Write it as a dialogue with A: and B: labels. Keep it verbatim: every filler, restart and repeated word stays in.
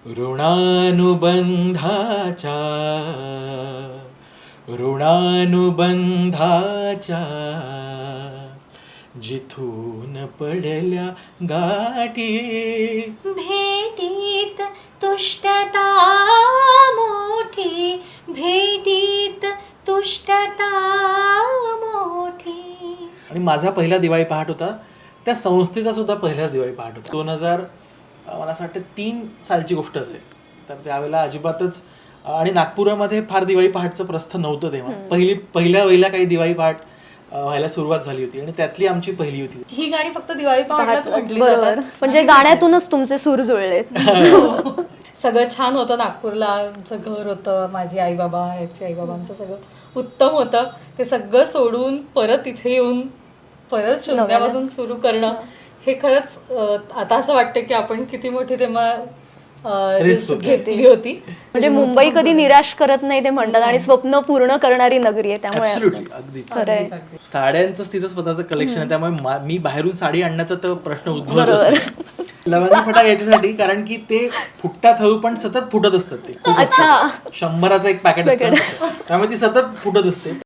A: ऋणानुबंधाच्या ऋणानुबंधाच्या जिथून पडल्या गाठी
B: भेटीत तुष्टता मोठी भेटीत तुष्टता मोठी.
A: आणि माझा पहिला दिवाळी पहाट होता त्या संस्थेचा सुद्धा पहिला दिवाळी पहाट होता. दोन हजार मला असं वाटतं तीन सालची गोष्ट असेल. तर त्यावेळेला अजिबातच आणि नागपुरामध्ये फार दिवाळी पहाटचं प्रस्थ नव्हतं तेव्हा. पहिली पहिल्या पहिल्या काही दिवाळी पहाट व्हायला सुरुवात झाली होती आणि त्यातली आमची पहिली होती.
C: ही गाणी फक्त दिवाळी पहाटलाच म्हटली जातात.
D: म्हणजे गाण्यातूनच तुमचे सूर जुळले.
C: सगळं छान होतं. नागपूरला आमचं घर होतं, माझी आई बाबा याचे आई बाबांचं सगळं उत्तम होतं. ते सगळं सोडून परत इथे येऊन परत शून्यापासून सुरू करणं हे खरंच आता असं वाटतं की आपण किती मोठी तेव्हा रिस्क घेतली होती.
D: म्हणजे मुंबई कधी निराश करत नाही ते म्हणतात आणि स्वप्न पूर्ण करणारी नगरी आहे. त्यामुळे
A: खरंय. साड्यांचं तिचं स्वतःचं कलेक्शन आहे त्यामुळे मी बाहेरून साडी आणण्याचा तर प्रश्न उद्भवतच नाही. लवंगी फटाके याच्यासाठी कारण की ते फुटतात हळू पण सतत फुटत असतात. ते शंभराचं एक पॅकेट असतं त्यामुळे ती सतत फुटत असते.